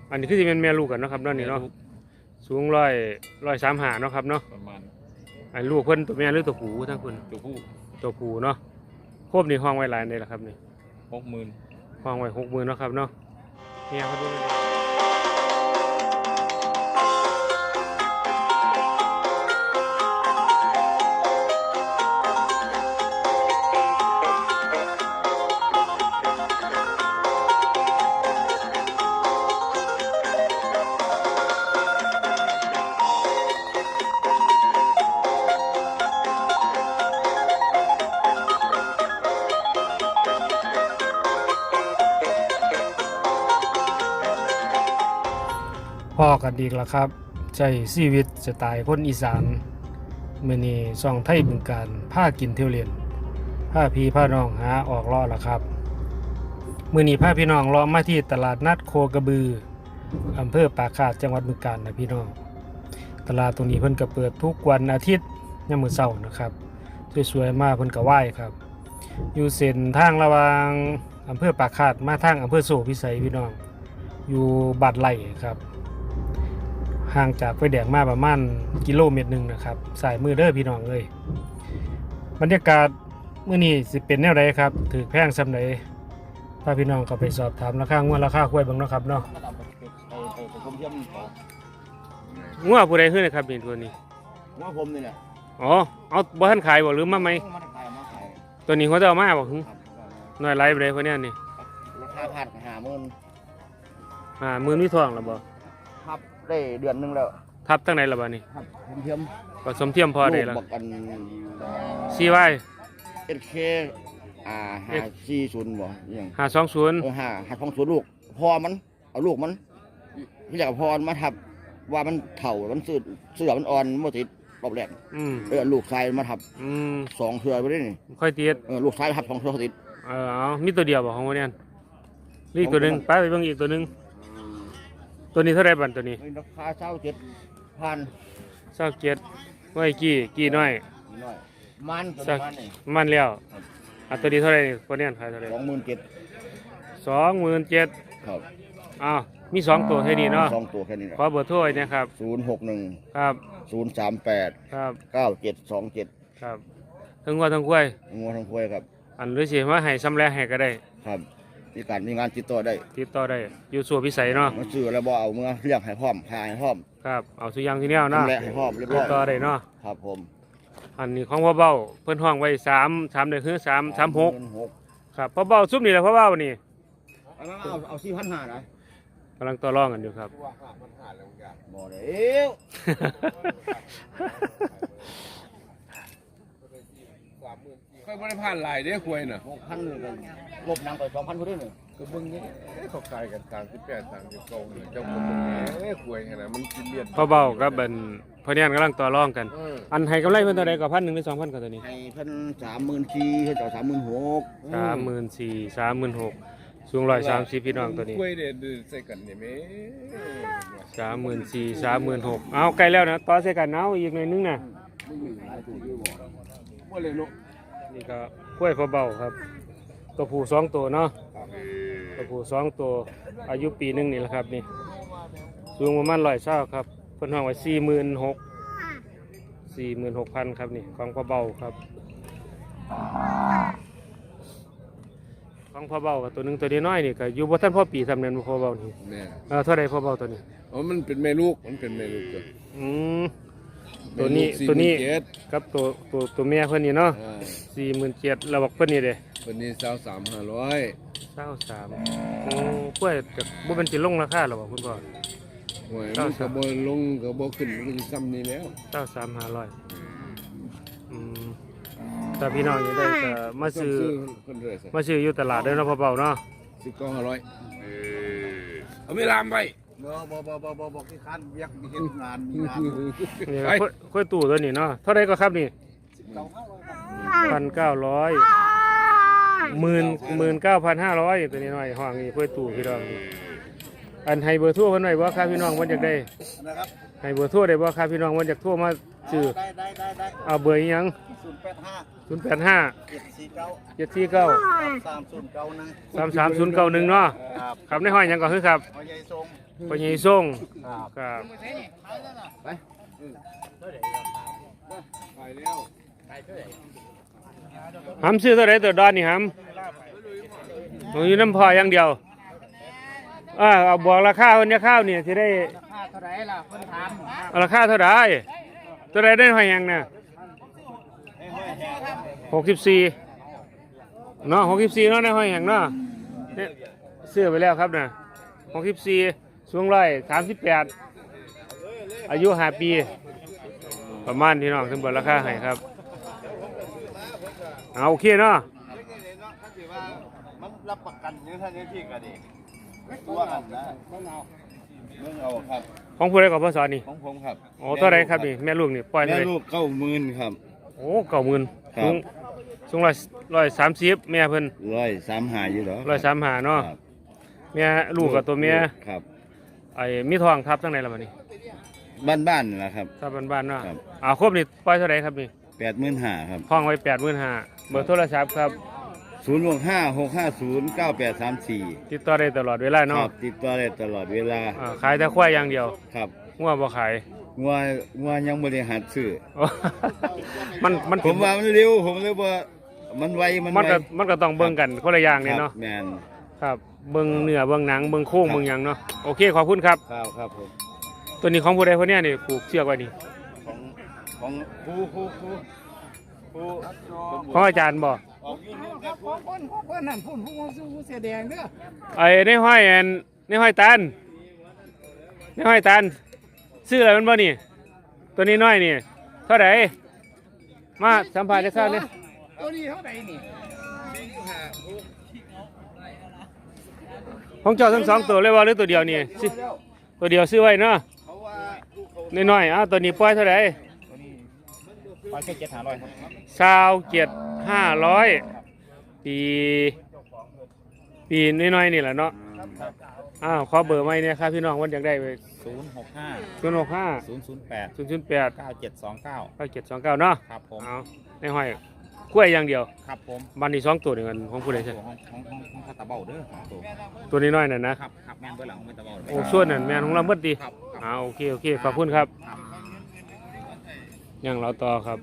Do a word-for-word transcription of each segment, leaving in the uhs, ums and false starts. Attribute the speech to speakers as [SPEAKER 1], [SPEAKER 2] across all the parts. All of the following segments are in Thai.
[SPEAKER 1] อันนี้คือจะเป็นแม่ลูกกันเนาะครับเนาะนี่เนาะสูงร้อยร้อยสามหาเนาะครับเนาะ
[SPEAKER 2] ประมาณ
[SPEAKER 1] อันลูกเพิ่นตัวแม่หรือตัวผู้ทั้งคน
[SPEAKER 2] ตัวผู้
[SPEAKER 1] ตัวผู้เนาะโคบนี่ห้องไว้หลายเลยละครับนี่
[SPEAKER 2] หกหมื่น
[SPEAKER 1] ห้องไว้หกหมื่นเนาะครับเนาะเนี่ยเขาดูพ่อกันดีแล้วครับใจชีวิตสไตล์คนอีสานเมื่อนี้ซ่องไทยบึงการผ้ากินเที่ยวเล่นผ้าพี่ผ้าน้องหาออกล่อแล้วครับเมื่อนี้ผ้าพี่น้องล้อมมาที่ตลาดนัดโคกระบืออำเภอปากคาดจังหวัดบึงกาฬนะพี่น้องตลาดตรงนี้เพิ่นก็เปิดทุกวันอาทิตย์ยามมื้อเช้านะครับสวยๆมากเพิ่นก็ไหว้ครับอยู่เส้นทางระหว่างอำเภอปากคาดมาทางอำเภอโสพิสัยพี่น้องอยู่บัดไร่ครับห่างจากไฟแดงมาประมาณกิโลเมตรหนึ่งนะครับสายมือเด้อพี่น้องเลยบรรยากาศเมื่อนี้สิเป็นแนวใดครับถือแพงซำใดถ้าพี่น้องก็ไปสอบถามราคางวดราคาควายเบิ่งเนาะครับเนาะงัวผู้ใดขึ้นนะครับนี่ตัวนี้
[SPEAKER 3] งัวผมนี่แหละ
[SPEAKER 1] อ๋อเอาบ่ทันขายบ่หรือมาไหมตัวนี้เขาจะเอามาบ่หึน้อยไลฟ์ไปเลยพวกนี้นี่
[SPEAKER 3] ราคาพันห้าหมื่น
[SPEAKER 1] อ่าหมื่นมีทองแล้วบ่
[SPEAKER 3] ครับได้เดือนนึงแล้ว
[SPEAKER 1] ทับตั้งไหนแล้วบ่นี่
[SPEAKER 3] ครับเทียม
[SPEAKER 1] ผสมเทียมพอได้แล้ว
[SPEAKER 3] บอกกัน
[SPEAKER 1] ซี วาย
[SPEAKER 3] เอส เค อ่าห้าสี่ศูนย์บ่ยัง
[SPEAKER 1] ห้าสองศูนย์
[SPEAKER 3] เออห้าห้าสองศูนย์ลูกพอมันเอาลูกมันที่อยากพอมาทับว่ามันเถ่ามันเสือเสือมันอ่อนมันติดรอบแรกเออลูกชายมาทับสองเทือไปได้นี่
[SPEAKER 1] ค่อยติด
[SPEAKER 3] เออลูกชายทับสองเทือติด
[SPEAKER 1] เออเอามีตัวเดียวบ่ของวันนี้นี่ตัวนึงไปไปเบิ่งอีกตัวนึงตัวนี้เท่าไรบันตัวนี้
[SPEAKER 3] ราคาเช่าเจ็ดพัน
[SPEAKER 1] เช่าเจ็ดไว้กี่กี่น้อย
[SPEAKER 3] มัน
[SPEAKER 1] มันแล้วอ่ะตัวนี้เท่าไรคนนี้ขายเท่าไร
[SPEAKER 3] สองหมื่นเจ็ด
[SPEAKER 1] สองหมื่นเจ็ด
[SPEAKER 3] ครับ
[SPEAKER 1] อ้าวมีสองตัวแค่นี้เนาะ
[SPEAKER 3] สองตัวแค่นี้
[SPEAKER 1] ขอเบอร์โทรนะครับ
[SPEAKER 3] ศูนย์หกหนึ่ง
[SPEAKER 1] ครับ
[SPEAKER 3] ศูนย์สามแปด
[SPEAKER 1] ครับ
[SPEAKER 3] เก้าเจ็ดสองเจ็ด
[SPEAKER 1] ครับทั้งวัวทั้งควาย
[SPEAKER 3] งัวทั้งควายครับ
[SPEAKER 1] อันหรือสิว่าให้ซ้ำแลให้ก็ได้
[SPEAKER 3] ครับมีการมีงานติดต่อได้
[SPEAKER 1] ติดต่อได้อยู่ส่วนพิสัยเนาะ
[SPEAKER 3] มาซื้อแล้วบ่เอาเมื่อเรียกให้พร้อมขายให้พร้อม
[SPEAKER 1] ครับเอาสุยางที่แนวเนาะ
[SPEAKER 3] ให้พร้อมเรียบร้อย
[SPEAKER 1] ติดต่อได้เนาะ
[SPEAKER 3] ครับผม
[SPEAKER 1] อันนี้ของพ่อเบ้าเพิ่นห้องไว้สามสามเดือนคือสามสามหกครับพ่อเบ้าซุปนี่แหละพ่อเบ้านี่
[SPEAKER 3] เอาเอาสี่พันห้านะ
[SPEAKER 1] กำลังต่อรองกันอยู่ครับ
[SPEAKER 3] บ่ได้เอ้ว
[SPEAKER 2] ค่อยไม่ได้ผ่านลายเด้อคุยน่ะ
[SPEAKER 3] หกพันเลยลบนางไปสองพันพอดีหนึ่ง
[SPEAKER 2] ก็เบิ่งนี้เขาขายกันสามสิบแปดสามสิบเก้าเลยเจ้าคนตรงนี้เอ้คุยขนาดมันกินเลียน
[SPEAKER 1] พ่อเบ้ากับเป็นพ่อเนี่ยกำลังต่อรองกันอันให้กำไรเพิ่นเท่าใดก็พันหนึ่งหรือสองพันก็ตัวนี้
[SPEAKER 3] ให้เพิ่นสามหมื่นสี่เพิ่นเจ้าสามหมื่นหก
[SPEAKER 1] สามหมื่นสี่สามหมื่นหกสูงร้อยสามสิบพี่น้องตัวนี้
[SPEAKER 2] คุยเด็ดใส่กันเนี่ยแม่
[SPEAKER 1] สามหมื่นสี่สามหมื่นหกเอาใกล้แล้วนะต่อใส่กันเอาอีกหน่อยนึงนะ
[SPEAKER 2] ว่าเลยเนาะ
[SPEAKER 1] นี่ก็กล้วยพ่อเบ้าครับตัวผู้สองตัวเนาะตัวผู้สองตัวอายุปีนึงนี่แหละครับนี่สูงประมาณร้อยเศร้าครับเพิ่นห้องไว้สี่หมื่นหกสี่หมื่นหกพันครับนี่ของพ่อเบ้าครับของพ่อเบ้ากับตัวนึงตัวน้อยนี่ก็อยู่บ่ทันพ่อปีทำเนินพ่อเบ้านี่เออเท่าไรพ่อเบ้าตัวนี้
[SPEAKER 2] อ๋อมันเป็นแม่ลูกมันเป็นแม่ลูกจ้ะ
[SPEAKER 1] อืมตัวนี้ตัวนี้กับตัวตัวตัวแม่เพิ่นนี่เนาะสี่หมื่นเจ็ดเราบอกเพิ่นนี่เด้
[SPEAKER 2] เพิ่นนี่เศร้าสามห้าร้อย
[SPEAKER 1] เศร้าสามโอ้กล้วยแต่บ่เป็นสิลงราคาหรอบอกคุณพ่อ
[SPEAKER 2] หวยมันก็บ่ลงก็บ่ขึ้นมันก็ซ้ำนี่แล้ว
[SPEAKER 1] เศร้าสามห้าร้อยอืมถ้าพี่น้องอยากได้ก็มาซื้อมาซื้ออยู่ตลาดเด้อเนาะพ่อเบ้าเนาะ
[SPEAKER 2] สิบเก้าห้าร้อยเอาไม่ลามไป
[SPEAKER 3] บ่บ่บ่บ่บ่บ่ที่คันเวียกมีเฮ็ดงานมีงาน
[SPEAKER 1] นี่ค่อยตู้ตัวนี้เนาะเท่าไรก็ครับนี่พันเก้าร้อยหมื่นหมื่นเก้าพันห้าร้อยตัวนี้หน่อยห้องนี้ค่อยตู้พี่น้องอันให้เบอร์โทรเพิ่นหน่อยว่าครับพี่น้องวันอยากได้ให้เบอร์โทรได้บ่ครับพี่น้องวันอยากโทรมาซื้อ
[SPEAKER 3] ได้ได้ได้ได้
[SPEAKER 1] เอาเบอร์อีหยัง
[SPEAKER 3] ศูนย์แปดห้า
[SPEAKER 1] ศูนย์แปดห้า
[SPEAKER 3] เจ็ดสี่เก้า
[SPEAKER 1] เจ็ดสี่เก้า
[SPEAKER 3] สามศูนย์เก้าหนึ่ง
[SPEAKER 1] สามสามศูนย์เก้าหนึ่งเนาะ
[SPEAKER 3] ครับ
[SPEAKER 1] ครับในห้อยหยังก็คือครับ
[SPEAKER 3] พ่อใหญ่ทรง
[SPEAKER 1] ปญญส่ง
[SPEAKER 3] ครับ
[SPEAKER 1] ครับ
[SPEAKER 2] ไปแล้ว
[SPEAKER 1] หำซื้อเท่าไหรตัวดอนนี่หำผมอยู่น้ำพออย่างเดียวอ่าเอาบอกราคาคนนี้ข้าวเนี่ยที่ได้
[SPEAKER 4] ค่าเท่าไหร่ล่ะคนถาม
[SPEAKER 1] เอาราคาเท่าไหรตัวใดได้หอยหยังเนี่ยหกสิบสี่เนาะหกสิบสี่เนาะในหอยหยังเนาะเนี่ยซื้อไปแล้วครับนะหกสิบสี่สูงร้อยสามสิบแปดอายุห้าปี ประมาณที่น้องทั้งหมดราคาให้ครับเอาโอเคเนาะ
[SPEAKER 3] มันรับประกันเนื้อท่านเนื้อที่กันดีตัวกันนะเมื่อเอาครับ
[SPEAKER 1] ของผู้ใดกับพ่อสอนนี่
[SPEAKER 3] ของผมครับ
[SPEAKER 1] โอ้ตัวใดครับนี่แม่ลูกนี่ปล่อยเล
[SPEAKER 3] แม่
[SPEAKER 1] ย
[SPEAKER 3] ลูกเก้าหมื่นครับ
[SPEAKER 1] โอ้เก่าหมื่น
[SPEAKER 3] ครับ
[SPEAKER 1] สูงสูงร้อยร้อยสามสิบแม่เพิ่น
[SPEAKER 3] ร้อยสามหาอยู่เหรอ
[SPEAKER 1] ร้อยสามหาเนาะ
[SPEAKER 3] ครับ
[SPEAKER 1] แม่ลูกกับตัวแม่
[SPEAKER 3] ครับ
[SPEAKER 1] ไอ้มีทองทับทั้งในละมันนี่
[SPEAKER 3] บ้านบ้านๆนะครับ
[SPEAKER 1] ทับบ้านๆเนาะ
[SPEAKER 3] ครับ
[SPEAKER 1] อ่าครบนี่ปล่อยเท่าไหร่ครับนี่
[SPEAKER 3] แปดหมื่นห้าครับ
[SPEAKER 1] ห้องไว้แปดหมื่นห้าเบอร์โทรศัพท์ครับ
[SPEAKER 3] ศูนย์หกห้าหกห้าศูนย์เก้าแปดสามสี่
[SPEAKER 1] ติดต่อได้ตลอดเวลา
[SPEAKER 3] ค
[SPEAKER 1] เนาะ
[SPEAKER 3] รับติดต่อได้ตลอดเวลา
[SPEAKER 1] อ่าขายแต่ควายอย่างเดียว
[SPEAKER 3] ครับ
[SPEAKER 1] งัวบ่ขาย
[SPEAKER 3] งัวงัวยังบริหารซื้อ
[SPEAKER 1] โอ้ มันมัน
[SPEAKER 3] ผมว่ามันเร็วผมเลยว่ามันไวมัน
[SPEAKER 1] มัน
[SPEAKER 3] ไว
[SPEAKER 1] ก็มันก็ต้องเบิ่งกันคนละอย่างเนี่ย
[SPEAKER 3] ครั
[SPEAKER 1] เนาะ
[SPEAKER 3] บแมน
[SPEAKER 1] ครับเบิ่งเนื้อเบิ่งหนังเบิ่งโค้ง
[SPEAKER 3] ครับ
[SPEAKER 1] เบิ่งหยังเนาะโอเคขอบคุณครับ
[SPEAKER 3] ครับครับผม
[SPEAKER 1] ตัวนี้ของผู้ใดคนเนี้ยนี่ผูกเชือกไว้นี่
[SPEAKER 3] ของของครูครูครูครู
[SPEAKER 1] ของอาจารย์บ่
[SPEAKER 3] ออกยูทูบครับครู
[SPEAKER 4] คนคนนั่นพูดผู้ผู้เสียแดงเด้อ
[SPEAKER 1] ไอ้ในห้อยอันในห้อยตันในห้อยตันซื้ออะไรมันบ่นี่ ตัวนี้น้อยนี่เท่าไหร่มาสัมภาษณ์จะทราบเนี่ย
[SPEAKER 4] ตัวนี้เท่าไหร่นี่
[SPEAKER 1] ของเจ้าทั้งสองตัวเลยว่าหรือตัวเดียวนี่สิตัวเดียวซื้อไว้เนาะ
[SPEAKER 3] เขาว่า
[SPEAKER 1] น้อยๆอ้าวตัวนี้ปล่อยเท่าไหร่
[SPEAKER 4] ปล่อยแค่เจ็ดห้าร้อยครับ
[SPEAKER 1] สาวเจ็ดห้าร้อยปีปีน้อยๆนี่แหละเนาะอ้าวขอเบอร์ไว้เนี่ยครับพี่น้องวันอยากได้ไป
[SPEAKER 4] ศูนย์หกห้า
[SPEAKER 1] ศูนย์หกห้า
[SPEAKER 4] ศูนย์ศูนย์แปด
[SPEAKER 1] ศูนย์ศูนย์แปด
[SPEAKER 4] เก้าเจ็ดสองเก้า
[SPEAKER 1] เก้าเจ็ดสองเก้าเนาะ
[SPEAKER 4] ครับผม
[SPEAKER 1] เอาในห้อยกล้วยอย่างเดียว
[SPEAKER 4] ครับผม
[SPEAKER 1] บันนี้สองตัวเดียวกันของผู้ใดใช่
[SPEAKER 4] ตัวห้องห้องห้องห้องคาตาเบาเด้อของตัว
[SPEAKER 1] ตัวนี้น้อยน่ะนะครับ
[SPEAKER 4] ครับแม่นเบอร์หลังของเมตาเบาเลย
[SPEAKER 1] โอ้ส่วนนั่นแม่นของเราเบิดดี
[SPEAKER 4] ครับ
[SPEAKER 1] อ่าโอเคโอเคขอบคุณครับยังเราต่อครับ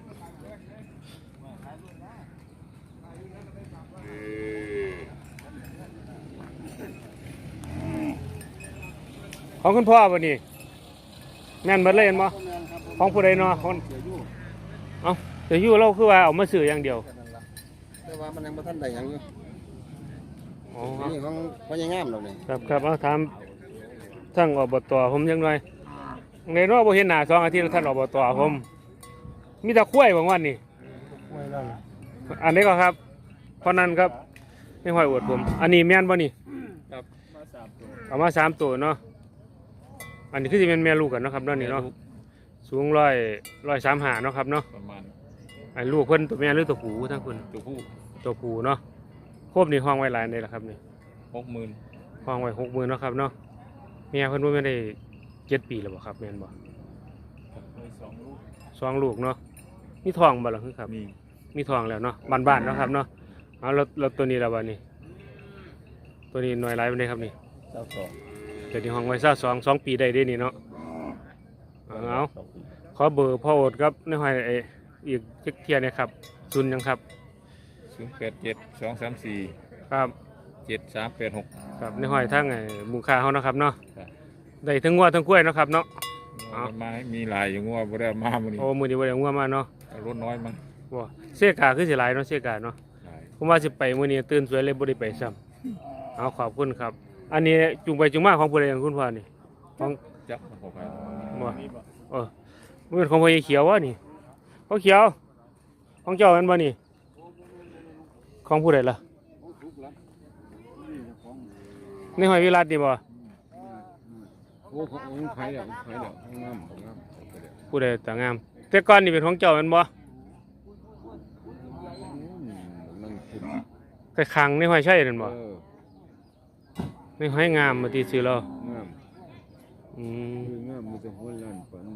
[SPEAKER 1] ของคุณพ่อป่ะนี่แม่นเบิดเลยเห็นบ่ของผู้ใดเนาะของเอ้าเดี๋ยวอยู่เราคือว่าเอามาซื้ออย่างเดียว
[SPEAKER 2] แต่ว่ามันยังบ่ทันได้หยังอยู่
[SPEAKER 1] อ๋อ
[SPEAKER 2] นี่ของพ่อใหญ่งามเราเนี่ย
[SPEAKER 1] ครับครับเอาถามทั้งอบตผมยังหน่อยในรอบบ่เห็นหน้าสองอาทิตย์แล้วท่านอบตผมมีแต่คุ้ยบางวันนี่
[SPEAKER 2] ไว้แล้ว
[SPEAKER 1] อันนี้ก็ครับเพราะนั้นครับไม่ค่อยอวดผม อันนี้แม่นบ่นี่
[SPEAKER 2] ครับมาสามตัว
[SPEAKER 1] เอามาสามตัวเนาะอันนี้คือสิเป็นแม่ลูกกันเนาะครับเนาะนี่เนาะสูงร้อยร้อยสามหาเนาะครับเนาะ
[SPEAKER 2] ประมาณ
[SPEAKER 1] ไอ้ลูกเพิ่นตัวแม่หรือตัวผู้ทั้งคน
[SPEAKER 2] ตัวผู้
[SPEAKER 1] ตัวผู้เนาะครบนี่ห้องไว้หลายในละครับนี่
[SPEAKER 2] หกหมื่น
[SPEAKER 1] ห้องไว้หกหมื่นเนาะครับเนาะเมียเพิ่นว่าไม่ได้เจ็ดปีแล้วบ่ครับแม่นบ่
[SPEAKER 2] มีสองลูก
[SPEAKER 1] สองลูกเนาะมีทองบ่ล่ะคือครับ
[SPEAKER 2] มี
[SPEAKER 1] มีทองแล้วเนาะบ้านๆเนาะครับเนาะเอาแล้วแล้วตัวนี้ละบัดนี้ ตัวนี้หน่วยหลายปานใดครับนี่
[SPEAKER 2] เจ้าสอง
[SPEAKER 1] เดี๋ยวนี้ห้องไว้ซะสองสองปีได้เด้นี่เนาะเอาเอา
[SPEAKER 2] สองปี
[SPEAKER 1] ขอเบอร์พ่อโอดครับในห้อยไอ้อีกจักเที่ยนะครับซุนย์หยังครับ
[SPEAKER 2] ศูนย์แปดเจ็ดสองสามสี่
[SPEAKER 1] ครับ
[SPEAKER 2] เจ็ดสามแปดหก
[SPEAKER 1] ครับในห้อยทั้งไอ้หมูค่าเฮาเนาะครับเนาะ
[SPEAKER 2] ครับ
[SPEAKER 1] ได้ทั้งงัวทั้งกล้วยเนาะครับเนาะ เอา
[SPEAKER 2] มาให้มีหลายอย่างงัวบ่ได้มามื้อนี้
[SPEAKER 1] โอ้มื้อนี้บ่ได้งัวมาเนาะ
[SPEAKER 2] เอารถน้อยมั้ง
[SPEAKER 1] บ่เสียกาคือสิหลายเนาะเสียกาเนาะ
[SPEAKER 2] หลาย
[SPEAKER 1] ผมว่าสิไปมื้อนี้ตื่นสวยเลยบ่ได้ไปซ้ำเอาขอบคุณครับ อันนี้จุงไปจุงมาของผู้ใดของคุณพ่อนี่ของ
[SPEAKER 2] จับมาขอไป
[SPEAKER 1] บ่เออมันเป็นของพ่อใหญ่เขียววะนี่พ่อเขียว ของเจ้าแม่นบ่นี่ ของผู้ใดล่ะในหอยวิรัตนี่บ่
[SPEAKER 2] โอ้ของไผเด้อไผเด้องามงาม
[SPEAKER 1] ผู้ใดต่างงาม แต่ก่อนนี่เป็นของเจ้าแม่นบ่
[SPEAKER 2] นั่งกิน
[SPEAKER 1] ไปขังในหอยใช่นั่นบ่
[SPEAKER 2] เออ
[SPEAKER 1] ในหอยงามมาตีซื้อแล้ว
[SPEAKER 2] งาม
[SPEAKER 1] อืม
[SPEAKER 2] คืองามมีแต่หัวล้านปันม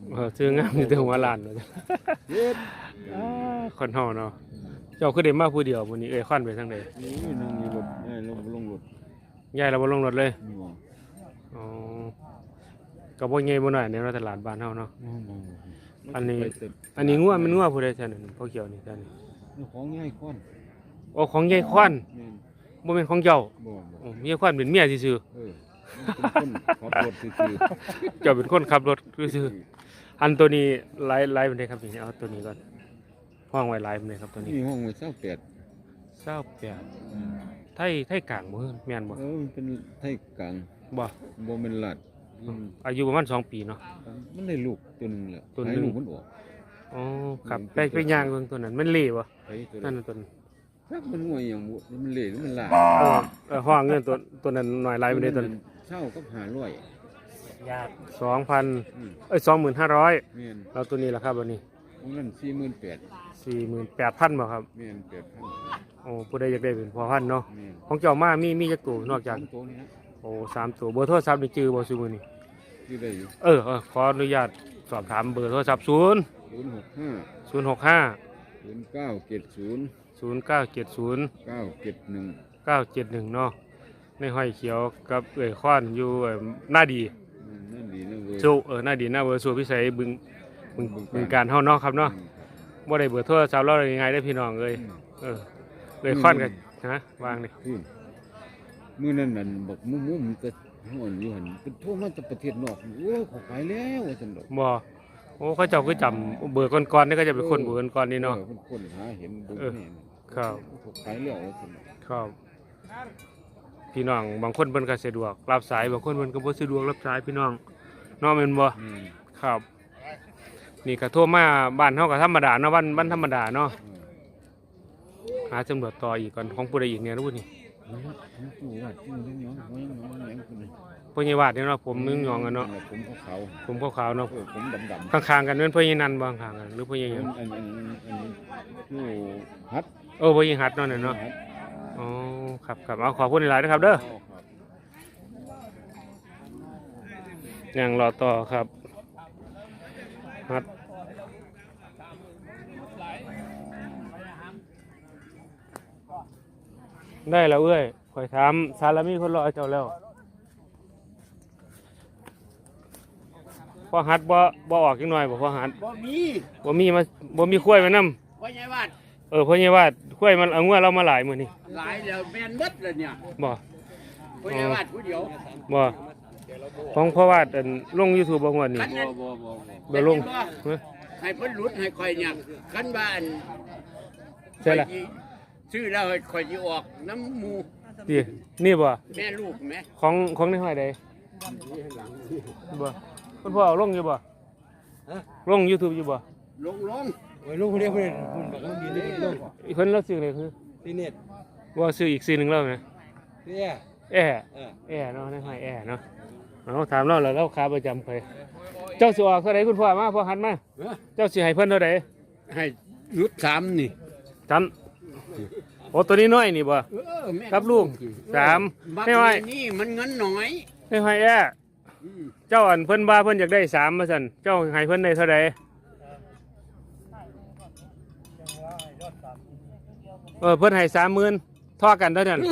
[SPEAKER 1] เออซื้องามอยู่แต่หัวล้านว่าซั่น
[SPEAKER 3] เฮ็ด
[SPEAKER 1] อ่าคนเฮาเนาะเจ้าคือได้มาผู้เดียวมื้อนี้เอ้ยควันไปทางใด
[SPEAKER 3] นี่นั่งอยู่รถเอ้ยลงลงรถ
[SPEAKER 1] ยายเราบ่ลงรถเลย
[SPEAKER 3] นี่ว่า
[SPEAKER 1] อ๋อก็บ่ใหญ่บ่น้อยในตลาดบ้านเฮาเนาะ อันนี้ อันนี้งัวมันงัวผู้ใดซั่นนั่นพ่อเขียวนี่ซั่นนี่
[SPEAKER 3] นี่ของง่ายก้อน
[SPEAKER 1] โอ้ของยายควัน
[SPEAKER 3] แม่น
[SPEAKER 1] บ่แม่นของเจ้า
[SPEAKER 3] บ่บ่
[SPEAKER 1] โอ้ยายควันเป็นเมียซื่อ
[SPEAKER 3] เออเป็นคนขับรถซื่อ
[SPEAKER 1] ๆเจ้าเป็นคนขับรถซื่อๆอันตัวนี้หลายหลายปานใดครับนี่เอาตัวนี้ก่อนห้องไว้หลายปานใดครับตัว
[SPEAKER 3] ๆ
[SPEAKER 1] นี้
[SPEAKER 3] นี่ห้องไว้เศร้าแปด
[SPEAKER 1] เศร้าแปดไทยไทยกลางบ่แม่นบ่
[SPEAKER 3] เออมันเป็นไทยกลาง
[SPEAKER 1] บ่
[SPEAKER 3] บ่แม่นลาดอืม
[SPEAKER 1] อายุประมาณสองปีเนาะ
[SPEAKER 3] มันได้ลูกตัวหนึงแหละ
[SPEAKER 1] ตัวหนึ่ง
[SPEAKER 3] ให้ลูกมันออก
[SPEAKER 1] อ๋อครับไปไปย่างเบิ่งตัวนั้นมันเละบ่
[SPEAKER 3] ไผตัว
[SPEAKER 1] นั่
[SPEAKER 3] นั้น น
[SPEAKER 1] น่ะตัวนั้น
[SPEAKER 3] ครับมันงวยอย่างบ่มันเละหรือมันลาด
[SPEAKER 1] เออเออห้องเงินตัวตัวนั้นหน่อยหลายปานใดตัวนั้น
[SPEAKER 3] เช่ากับห้าร้อย
[SPEAKER 1] สองพัน
[SPEAKER 3] อืม
[SPEAKER 1] เอ้ยสองหมื่นห้าร้อย
[SPEAKER 3] แม่น
[SPEAKER 1] แล้วตัวนี้ล่ะครับวันนี้
[SPEAKER 3] ของนั้นสี่หมื่นแปด
[SPEAKER 1] สี่หมื่นแปดพันบ่ครับ
[SPEAKER 3] แม่นแปดพัน
[SPEAKER 1] โอ้ผู้ใดอยากได้เป็นพอพันเนาะ
[SPEAKER 3] แม่น
[SPEAKER 1] ของเจ้ามามีมีจักตัวนอกจาก
[SPEAKER 3] สมตัวนี้นะ
[SPEAKER 1] โอ้สามตัวเบอร์โทรศัพท์นี่จื้อบ่ซุมื้อนี้
[SPEAKER 3] ที่ได้อยู่
[SPEAKER 1] เออเออขออนุญาตสอบถามเบอร์โทรศัพท์ศูนย์
[SPEAKER 3] ศูนย์หกห้า
[SPEAKER 1] ศูนย์หกห้า
[SPEAKER 3] ศูนย์เก้าเจ็ดศูนย์
[SPEAKER 1] ศูนย์เก้าเจ็ดศูนย์
[SPEAKER 3] เก้าเจ็ดหนึ่ง
[SPEAKER 1] เก้าเจ็ดหนึ่งเนาะในห้อยเขียวกับเอ่ยค้อนอยู่เอ่อหน้าดี
[SPEAKER 3] นั่นดีนะเว้ย
[SPEAKER 1] สู้เออหน้าดีหน้าเบอร์สู้พิเศษบึงบึงบึงการเฮาเนาะครับเนาะบ่ได้เบอร์โทรศัพท์เราได้ง่ายได้อพี่น้องเอ้ยเออเอ่ยค้อนกันฮะวางนี่
[SPEAKER 3] อืมมื้อนั้นนั่นบอกมุมๆมันก็ฮ้อนอยู่หั่นเป็นโทรมาจากประเทศนอกโอ้เขาไปแล้วว่าซั่นดอก
[SPEAKER 1] บ่โอ้เขาเจ้าคือจำเบอร์ก่อนๆนี่ก็จะเป็นคนเบอร์ก่อนๆนี่เนาะ
[SPEAKER 3] ออคนหาเห็นเบิ่ง
[SPEAKER 1] เออ
[SPEAKER 3] นี่
[SPEAKER 1] ครับ
[SPEAKER 3] เขาไปแล้วว่าซั่นดอก
[SPEAKER 1] ครับพี่น้องบางคนเพิ่นก็สะดวกรับสายบางคนเพิ่นก็บ่สะดวกรับสายพี่น้องเนาะแม่นบ่
[SPEAKER 3] อืม
[SPEAKER 1] ครับ นี่ก็โทรมาบ้านเฮาก็ธรรมดาเนาะบ้านบ้านธรรมดาเนาะหาตำรวจต่ออีกก่อนของผู้ใดอีกเนี่ยรู้นี่
[SPEAKER 3] เออผมจู่ว่าจู่ยังหยองหัวยังหยองแหลมขึ้นเลย
[SPEAKER 1] พ่อใหญ่วาดเนี่ยเนาะผมนึงยองกันเนาะ
[SPEAKER 3] ผมขาว
[SPEAKER 1] ผมขาวๆ
[SPEAKER 3] ๆ
[SPEAKER 1] เนาะ
[SPEAKER 3] เออผมดำๆ
[SPEAKER 1] ข้างๆกันเป็นพ่อใหญ่นันบ่ข้างๆกันหรือพ่อใหญ่ห
[SPEAKER 3] อั
[SPEAKER 1] ยั
[SPEAKER 3] น
[SPEAKER 1] ง
[SPEAKER 3] อันอันอันอยู่ฮัด
[SPEAKER 1] เออพ่อใหญ่หัดเนาะเนี่ยเนาะอ๋อครับครับเอาขอบคุณหลายๆนะครับเด้อยังรอต่อครับหัดได้แล้วเอ้ยข่อยถามซาลามีคนรอเจ้าแล้วพอหัดบ่บ่ออกจังหน่อยบ่พอหัด
[SPEAKER 5] บ่มี
[SPEAKER 1] บ่มีมาบ่มีข้วยมานำ
[SPEAKER 5] พ่อใหญ่วาด
[SPEAKER 1] เออพ่อใหญ่ว่าข้วยมันเอางัวเรามาหลายมื้อนี้
[SPEAKER 5] หลายแล้วแม่นหมดเลยเนี่ย
[SPEAKER 1] บ่
[SPEAKER 5] พ่อใหญ่วาดผู้เดียว
[SPEAKER 1] บ่ของพ่อวาดอันลง YouTube บ่งวดนี้
[SPEAKER 5] คันนั้น
[SPEAKER 1] บ่ลงเฮ้ย
[SPEAKER 5] ให้เพิ่นหลุดให้ข่อยเนี่ยคันบ้าน
[SPEAKER 1] ใช่ล่ะ
[SPEAKER 5] ข่อยสิซื้อแล้วให้ข่อยสิออกน้ำหมู
[SPEAKER 1] ตินี่บ่
[SPEAKER 5] แม่ลูกแม่
[SPEAKER 1] ของของในห้อยใดบ่คุณพ่อเอาลงอยู่บ่ลง YouTube อยู่บ่
[SPEAKER 5] ลงลง
[SPEAKER 6] ไว้ลูกคนเดียวเพื่อนคุณบอกว่ามีเล็กลง
[SPEAKER 1] อีกเพิ่นเราซื้อเลยคือ
[SPEAKER 6] ที่เน็ต
[SPEAKER 1] ว่าซื้ออีกซื้อหนึงแล้วนะ
[SPEAKER 6] เนี่ย
[SPEAKER 1] แอร์
[SPEAKER 6] เออ
[SPEAKER 1] แอร์เนาะในห้อยแอร์เนาะเอาถามเราแล้วเราค้าประจำเคยเจ้าสิออกเท่าใดคุณพ่อมาพ่อหันมาเจ้าสิให้เพิ่นเท่าใด
[SPEAKER 5] ให้หลุดสามนี่
[SPEAKER 1] จำโอ้ตัวนี้น้อยนี่บ่
[SPEAKER 5] เออแม่
[SPEAKER 1] ครับลูกสาม
[SPEAKER 5] บัก
[SPEAKER 1] ไม่ไหว
[SPEAKER 5] นี่มันเงินน้อย
[SPEAKER 1] ให้ห้อยแอร์
[SPEAKER 5] อืม
[SPEAKER 1] เจ้าอันเพิ่นว่าเพิ่นอยากได้สามมาสั่นเจ้าให้เพิ่นได้เท่าใดเออเพิ่นให้สามหมื่นท่อกันเท่านั้น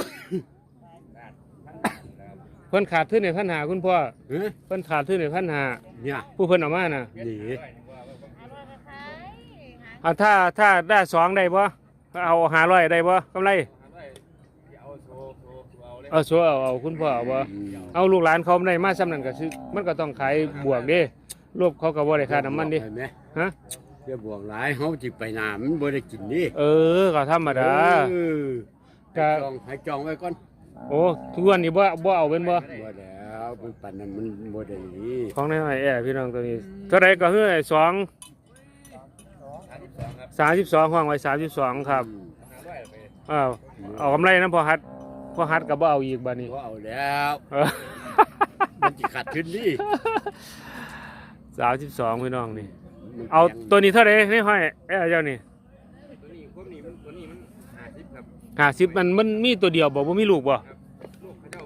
[SPEAKER 1] เพิ่นขาดทุนในพันหาคุณพ่อ
[SPEAKER 5] เฮ้ย
[SPEAKER 1] เพิ่นขาดทุนในพันหา
[SPEAKER 5] เนี่ย
[SPEAKER 1] ผู้เพิ่นเอามาน่ะ
[SPEAKER 5] นี่
[SPEAKER 1] อ่าถ้าถ้าได้สองได้บ่เอาห้าร้อยได้บ่กำไรเอาโซเอาเอาคุณพ่อเอาบ่เอาลูกหลานเขาได้มาซ้ำนั้นก็ซื้อมันก็ต้องขายบวกเด้รูปเขาก็บ่ได้ค่าน้ำมันเด้
[SPEAKER 5] เห็นไหม
[SPEAKER 1] ฮะ
[SPEAKER 5] เดี๋ยวบวกหลายเฮาจิไปน้ำมันบ่ได้กินนี่
[SPEAKER 1] เออก็ธรรมดา
[SPEAKER 5] เออ
[SPEAKER 1] ก็
[SPEAKER 5] ให้จองให้จองไว้ก่อน
[SPEAKER 1] โอ้ทุกวันนี้บ่บ่เอาเป็นบ่
[SPEAKER 5] บ่แล้วมันปันนั้นมันบ่ได้นี่
[SPEAKER 1] ของในห้อยแอร์พี่น้องตัวนี้เท่าใดก็คือไอ้สองสามสิบสองห้องไว้สามสิบสองครับอ้าวเอากำไรนะพอฮัดพอฮัดก็บ่เอาอีกบัดนี้
[SPEAKER 5] บ่เอาแล้ว
[SPEAKER 1] เออ
[SPEAKER 5] มันสิขาดทุนนี่
[SPEAKER 1] สามสิบสองพี่น้องนี่เอาตัวนี้เท่าไหร่ในห้อยแอร์เจ้านี่ห้าสิบมันมันมีตัวเดียวบ่บ่มีลูกบ่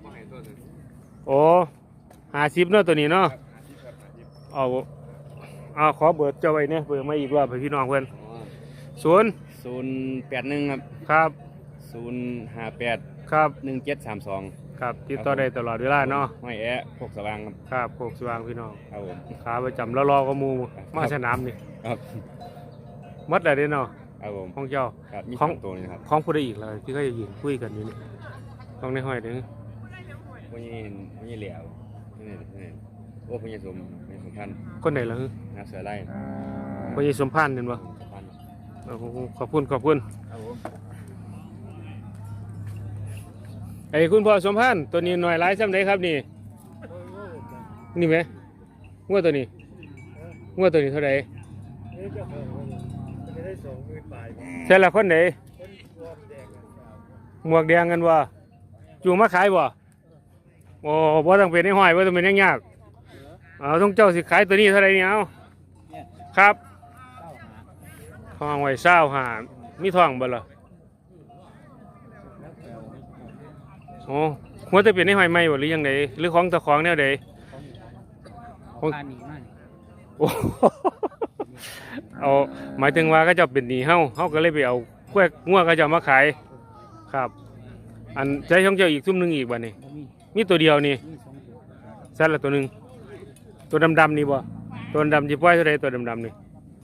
[SPEAKER 1] โอ้ห้าสิบเนาะตัวนี้เนาะเอาอ่าขอเบอร์เจ้าไว้เนี่ยเบอร์มาอีกรอบให้พี่น้องเพื่อนศูนย์
[SPEAKER 4] ศูนย์แปดหนึ่งครับ
[SPEAKER 1] ครับ
[SPEAKER 4] ศูนย์ห้าแปด
[SPEAKER 1] ครับ
[SPEAKER 4] หนึ่งเจ็ดสามสอง
[SPEAKER 1] ครับติดต่อได้ตลอดเวลาเนาะ
[SPEAKER 4] ห้อยแอะพวกสว่างครับ
[SPEAKER 1] ครับโคกสว่างพี่น้อง
[SPEAKER 4] ครับผม
[SPEAKER 1] ขาประจำแล้วรอก็มูมาสนามนี่
[SPEAKER 4] ครับ
[SPEAKER 1] หมัดอะไรเด้เนาะ
[SPEAKER 4] ครับผม
[SPEAKER 1] ของเจ้า
[SPEAKER 4] ครับมี
[SPEAKER 1] ขอ
[SPEAKER 4] สาง มตัวนี่ครับ
[SPEAKER 1] ของผู้ใดอีกเลยที่ก็จะยืนคุยกันอยู่นี่ต้องในห้อยเด้อ
[SPEAKER 4] พวกนี้เห็นพวกนี้เหลียวนี่นี่โอ้พวกนี้สมพวกนี้สมพันธ์
[SPEAKER 1] คนไหนล่ะ
[SPEAKER 4] นาเสือไล่
[SPEAKER 1] พญสมพันธ์เห็นบ่
[SPEAKER 4] พันธ์
[SPEAKER 1] โอ้โหขอบคุณขอบคุณ
[SPEAKER 4] ครับผม
[SPEAKER 1] ไอ้คุณพ่อสมพันธ์ตัวนี้หน่อยหลายซ้ำใดครับนี่นี่ไหมงวดตัวนี้งวดตัวนี้เท่าไหร่ใช่ละคนไหนหมวกแดงกันบ่จูงมาขายบ่โอ้บ่ต้องเป็นไอ้ห้อยบ่ต้องเป็นยังยากเอาต้องเจ้าสิขายตัวนี้เท่าไหร่เนี่ยเอาครับทองไว้เศร้าหามีทองบ่ล่ะโอ้หัวจะเป็นไอ้ห้อยใหม่บ่หรือยังไงหรือของตะของแนวใดของโอ้เอาหมายถึงว่าก็จะเป็นหนี้เฮาเฮาก็เลยไปเอากล้วยงัวก็จะมาขายครับอันใช้ช่องเจ้าอีกซุ่มหนึงอีกบ่นี่มีตัวเดียวนี่ซัดละตัวหนึงตัวดำๆนี่บ่ตัวดำๆสิปล่อยเท่าใดตัวดำๆนี่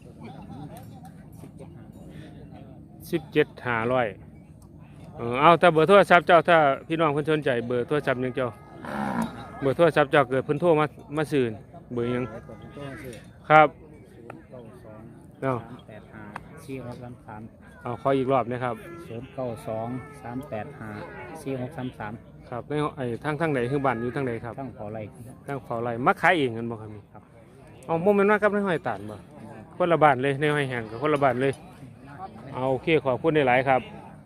[SPEAKER 1] สิบเจ็ดห้าร้อยเออเอาถ้าเบอร์โทรศัพท์เจ้าถ้าพี่น้องเพิ่นสนใจเบอร์โทรศัพท์หยังเจ้าเบอร์โทรศัพท์เจ้าเกิดเพิ่นโทรมามาซื้อเบอร์หยังครับเนาะ
[SPEAKER 6] แปดห้าสี่หกสามสาม
[SPEAKER 1] เอาขออีกรอบนะครับ
[SPEAKER 6] ศูนย์เก้าสองสามแปดห้าสี่หกสามสาม
[SPEAKER 1] ครับในไอ้ทางทางไหนคือบ้านอยู่ทางไหนครับ
[SPEAKER 6] ตั้งขออะไร
[SPEAKER 1] ทางเฝ้าไร่มักขายเองกันบ่ครับนี่ครับเอาโมเมนต์ว่ากับในห้อยตานบ่คนละบ้านเลยในห้อยแห้งกับคนละบ้านเลยเอาโอเคขอบคุณได้หลายครับ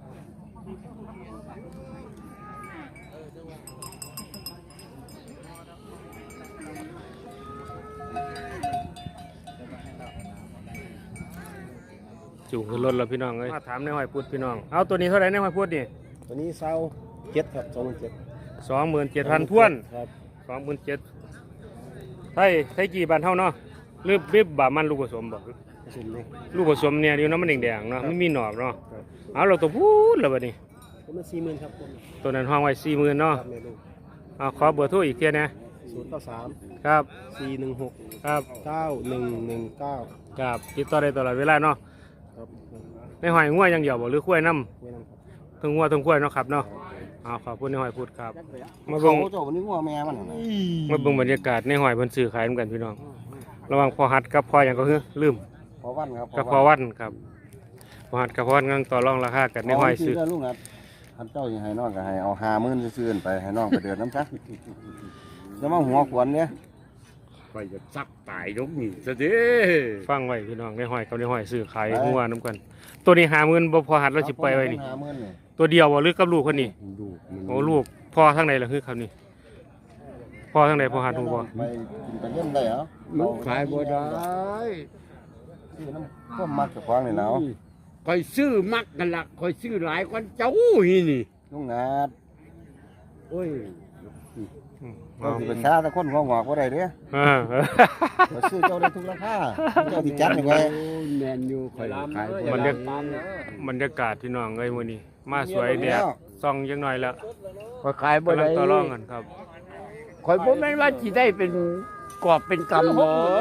[SPEAKER 1] จูงขึ้นรถแล้วพี่น้องเอ้ยมาถามในห้อยพูดพี่น้องเอาตัวนี้เท่าไหร่ในห้อยพูดนี่
[SPEAKER 6] ตัวนี้เศร้าเจ็ดครับสองหมื่นเจ็ด
[SPEAKER 1] สองหมื่นเจ็ดพันท้วน
[SPEAKER 6] ครับ
[SPEAKER 1] สองหมื่นเจ็ดไทยไทยกี่บานเท่าเนาะหรือบิบบามันลูกผสมบ่
[SPEAKER 6] สุดเลย
[SPEAKER 1] ลูกผสมเนี่ยเดียวน้ำมันแดงๆเนาะไม่มีหนอกเนาะเอาเราตัวพูดแล้วบัดนี้
[SPEAKER 6] ผมมันสี่หมื่นครับผม
[SPEAKER 1] ตัวนั้นห้องไว้สี่หมื่นเนาะ
[SPEAKER 6] ครับแม่ลูก
[SPEAKER 1] เอาขอเบอร์โทรอีกเทียนะ
[SPEAKER 6] ศูนย์เก้าสาม
[SPEAKER 1] ครับ
[SPEAKER 6] สี่หนึ่งหก
[SPEAKER 1] ครับ
[SPEAKER 6] เก้าหนึ่งหนึ่งเก้า
[SPEAKER 1] ครับติดต่อได้ตลอดเวลาเนาะ
[SPEAKER 6] ครับ
[SPEAKER 1] ในหอยงัวอย่างเดียวบ่หรือคุ้วยน้
[SPEAKER 6] ไว้นำครับ
[SPEAKER 1] ำทั้งงัวทั้งคุ้วยเนาะครับเนาะเอาขอบคุณในหอยพูดครับมา
[SPEAKER 3] เขา
[SPEAKER 1] เบิ่ง
[SPEAKER 3] เจ้าวันนี้งัวแม่มันน่ะนะ
[SPEAKER 1] มาเบิ่งบรรยากาศในหอยเพิ่นซื้อขายเหมือนกันพี่น้องระหว่างพอหัดกับพออย่างก็คือลืม
[SPEAKER 3] พอวันครับ
[SPEAKER 1] กับพอวันครับพอหัดกับพอวันกำลังต่อรองราคากันในหอยซื้อ
[SPEAKER 3] เด้ลูกนะท่านเจ้าสิให้น้องก็ให้เอาห้าหมื่นซื่อๆไปให้น้องไปเดินน้ำซะจะมาหัวขวนเนี่ย
[SPEAKER 5] ไปจะซักตายยกนี่ซะเด้
[SPEAKER 1] ฟังไว้พี่น้องในหอยกับในหอยซื้อขายงัวน้ำกัน ตัวนี้หาเงินบ่พอหัดเราสิปล่อยไว้นี่
[SPEAKER 3] ห้าหมื่นนี่
[SPEAKER 1] ตัวเดียวบ่หรือกับลูกคนนี้
[SPEAKER 5] ดูมัน
[SPEAKER 1] โอ้ลูกพ่อทางไหนล่ะคือครับนี่พ่อทางไหนพ่อหัดหูบ่
[SPEAKER 3] ไปกินไปเล่นได้เหรอ
[SPEAKER 5] มันขายบ่ได้
[SPEAKER 3] ซื้อน้ำก็มักจะควางนี่แล้ว
[SPEAKER 5] คอยซื้อมักกันละคอยซื้อหลายกว่าเจ้าหีนี่
[SPEAKER 3] ลุงนาด
[SPEAKER 5] โอ้ย
[SPEAKER 1] อืม
[SPEAKER 3] ก็
[SPEAKER 1] เอา
[SPEAKER 3] สิเป็นชาแต่คนหัวงอกบ่ได้เด้
[SPEAKER 1] เออ
[SPEAKER 3] ก็ซื้อเจ้าได้ทุกราคาเจ้าสิจัดนี่ไว้
[SPEAKER 5] โอ้ยแมนอยู่คอยขาย
[SPEAKER 1] บรร
[SPEAKER 5] ได้
[SPEAKER 1] ยากาศบรรยากาศพี่น้องเอ้ยมื้อนี้มาสวยแดดส่องจังหน่อยแล้ว
[SPEAKER 5] คอยขายบ่
[SPEAKER 1] กำลั
[SPEAKER 5] ได้
[SPEAKER 1] งต่อรองกันครับ
[SPEAKER 5] คอยบ่แม่นว่าสิได้เป็นกอบเป็นกำบ่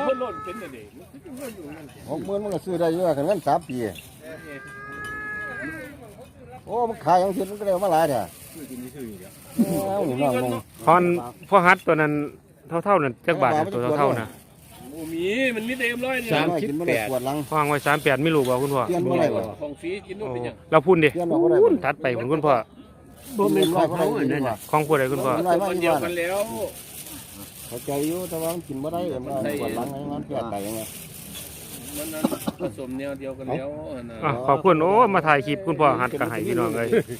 [SPEAKER 3] หกหมื่นมันก็ซื้อได้เยอะกันงั้นสามปีโอ้มันขายอย่างอื่นมันก็ได้มาหลายเด้อเอานี่น้องลง
[SPEAKER 1] พอนพ่อฮัดตัวนั้นเท่าๆนั่นจักบาทนะตัวเท่าๆนะ
[SPEAKER 2] โอ้มีมันมีเต็มร้อยเนี่ย
[SPEAKER 5] สามสิบแปด
[SPEAKER 3] ปวดหลัง
[SPEAKER 1] พ่อวางไว้สามแปดไม่รู้บ่คุณพ่อ
[SPEAKER 3] เปลี่ยนบ่ได้บ่
[SPEAKER 2] ของฟรีกินนู่นเป็นหยัง
[SPEAKER 1] เราพูดดิ
[SPEAKER 3] เปลี่ยนบ่ได้บ่
[SPEAKER 1] ถัดไปคุณคุณพ่อ
[SPEAKER 5] บ่แม่นของเขาอันนั้นน่ะ
[SPEAKER 1] ของผู้ใดคุณพ่อ
[SPEAKER 2] คนเดียวกันแล้ว
[SPEAKER 3] เข้าใจอยู่แต่ว่ามันกินบ่ได้มันปวดหลังไงมันแก้ไตยังไง
[SPEAKER 2] มันนั้นผสมแนวเดียวกันแล้วนะ
[SPEAKER 1] อ่ะขอบคุณโอ้มาถ่ายคลิปคุณพ่อฮัดกับให้พี่น้องเลย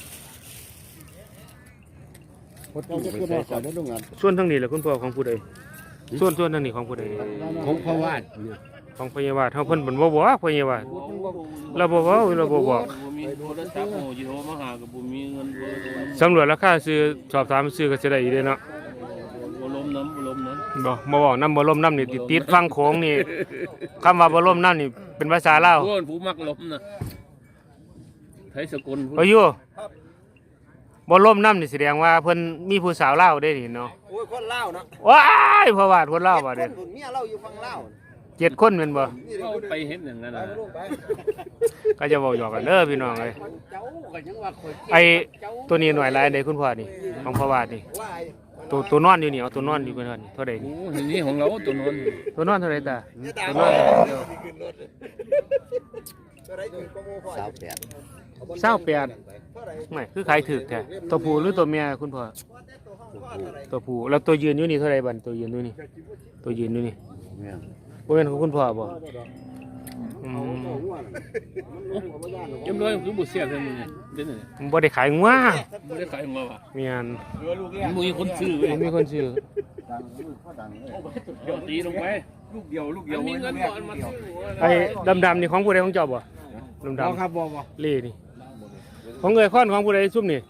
[SPEAKER 3] เจ้าจะขึ้นมาขอได้ลุงงาน
[SPEAKER 1] ส่วนทางนี้แหละคุณพ่อของผู้ใดส่วนส่วนทางนี้ของผู้ใด
[SPEAKER 5] ของพระวาดเนี่ย
[SPEAKER 1] ของพยาบาลเฮาเพิ่นบ่นบ่บอกพยาบาลเราบ่เว้าเราบ่บอก
[SPEAKER 2] บ่มีโทรศัพท์โอ้ยโทรมาหากับบ่มีเงิน
[SPEAKER 1] สำรวจราคาซื้อสอบถามซื้อก็สิได้อยู่เด้เนาะ
[SPEAKER 2] บ่ลม
[SPEAKER 5] น้ำบ่ลมน้
[SPEAKER 1] บ่บ่บอกน้ำบ่ล่มน้ำนี่ติดติดฟังโขงนี่คำว่าบ่ล่มน้ำนี่เป็นภาษาลาว
[SPEAKER 5] ำพวกผู้มักลมนะไทยสกุล
[SPEAKER 1] บ่อยู่บ่ล่มน้ำนี่แสดงว่าเพิ่นมีผู้สาวลาวได้นี่เนาะ
[SPEAKER 3] โอ้ยคนเล่าเนาะ
[SPEAKER 1] ว้ายเพราะว่าคนลาวบ่เด้
[SPEAKER 3] เมียเราอยู่ฝั่งเล่า
[SPEAKER 1] เจ็ดคนแม่นบ่
[SPEAKER 5] เขาไปเห็นอย่างนั้นนะ
[SPEAKER 1] ก็จะเว้าหยอกกันเด้อพี่น้องเอ้ย
[SPEAKER 3] เจ้าก็ยังว่าคอย
[SPEAKER 1] ไอ้ตัวนี้หน่วยหลายใดคุณพ่อนี่ของพ่อวาดนี่
[SPEAKER 3] ว่า
[SPEAKER 1] ตัวตัวนอนอยู่นี่เอาตัวนอนอยู่เพิ่นว่านี่เท่าใด
[SPEAKER 5] โอ้
[SPEAKER 1] นี่
[SPEAKER 5] นี่ของเราตัวนอน
[SPEAKER 1] ตัวนอนเท่าใดตาตัวนอน
[SPEAKER 3] สาวแปด
[SPEAKER 1] เศร้าแปดไม่คือขายถูกแท้ตัวผู้หรือตัวเมียคุณพ่อตัวผู้แล้วตัวยืนอยู่นี่เท่าใดบัดตัวยืนอยู่นี่ตัวยืนอยู่นี่บ่แม่นของคุณพ่อบ่อืม
[SPEAKER 5] เอ็มร้อยคือบุเสียเท่านี้เด่นเลย
[SPEAKER 1] มันบ่ได้ขายงัว
[SPEAKER 5] ไม่ได้ขายมาว่ะ
[SPEAKER 1] เมียน
[SPEAKER 5] มันมีคนซื้อเว้ย
[SPEAKER 1] มันมีคนซื้อ
[SPEAKER 5] เดี๋ยวตีลงไปลูกเดียวลูกเดียวมีเงินก่อนมาซื้อ
[SPEAKER 1] ไอ้ดำๆนี่ของผู้ใดของเจ้าบ่ดำๆครับบ่บ่เล่นี่ของเอ้ยค้อนของผู้ใดซุ่มนี่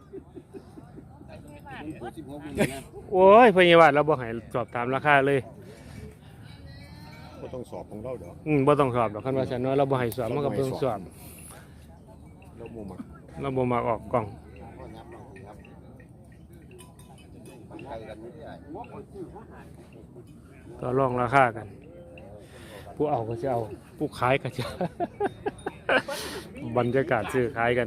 [SPEAKER 1] โอ้ยพยาบาลเราบ่ให้สอบตามราคาเลย
[SPEAKER 2] ก็ต้องสอบของเราเด้อ
[SPEAKER 1] อืมบ่ต้องสอบดอกคันว่าซั่นเนาะเราบ่ให้สอบมันก็บ่ต้องสอบ
[SPEAKER 2] เราบ่มัก
[SPEAKER 1] เราบ่มักออกกล้องต่อรองราคากัน ผู้เอาก็จะเอาผู้ขายก็จะ บรรยากาศซื้อขายกัน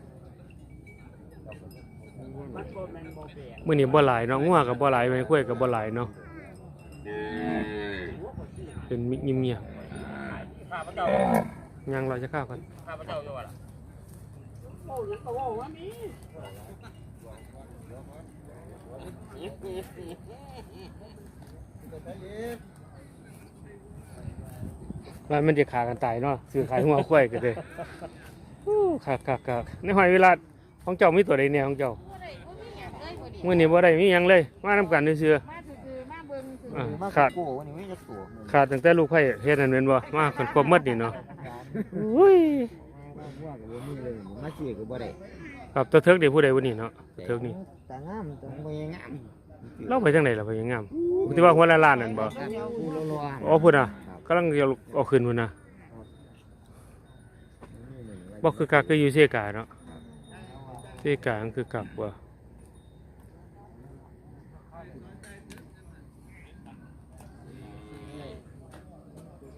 [SPEAKER 1] มื้อนี้บ่หลายเนาะงัวก็บ่หลายแม่กล้วยก็บ่หลายเนาะเป็นเงียบๆยังเราจะข้าวกันว่ามันจะขากันตายเนาะซื้อขายหัวกล้วยกันเลยคักคักคักในหอยเวลาของเจ้ามีตัวใดเนี่ยของเจ้ามื้อนี้บ่ได้มีหยังเลยมานำกันซื่อ
[SPEAKER 7] มาซื่อๆมาเบิ่งซื่อ
[SPEAKER 1] อ่าขาดขาดตั้งแต่ลูกไผ่เฮ็ดนั่นแม่นบ่มาคนครบหมดนี่เนาะอุ้ย
[SPEAKER 3] มาเสียก็บ่ได้
[SPEAKER 1] ครับตัวเทิกนี่ผู้ใดผู้นี้เนาะเทิกนี่
[SPEAKER 3] แต่งามแต่บ่งาม
[SPEAKER 1] เราไปจังไดล่ะไปยังงามที่ว่าหัวละล้านนั่นบ่
[SPEAKER 3] ผู้รอ
[SPEAKER 1] อ๋อพุ่นน่ะกำลังจะเอาขึ้นพุ่นน่ะบ่คือกักคืออยู่เซกาเนาะเซกามันคือกักบ่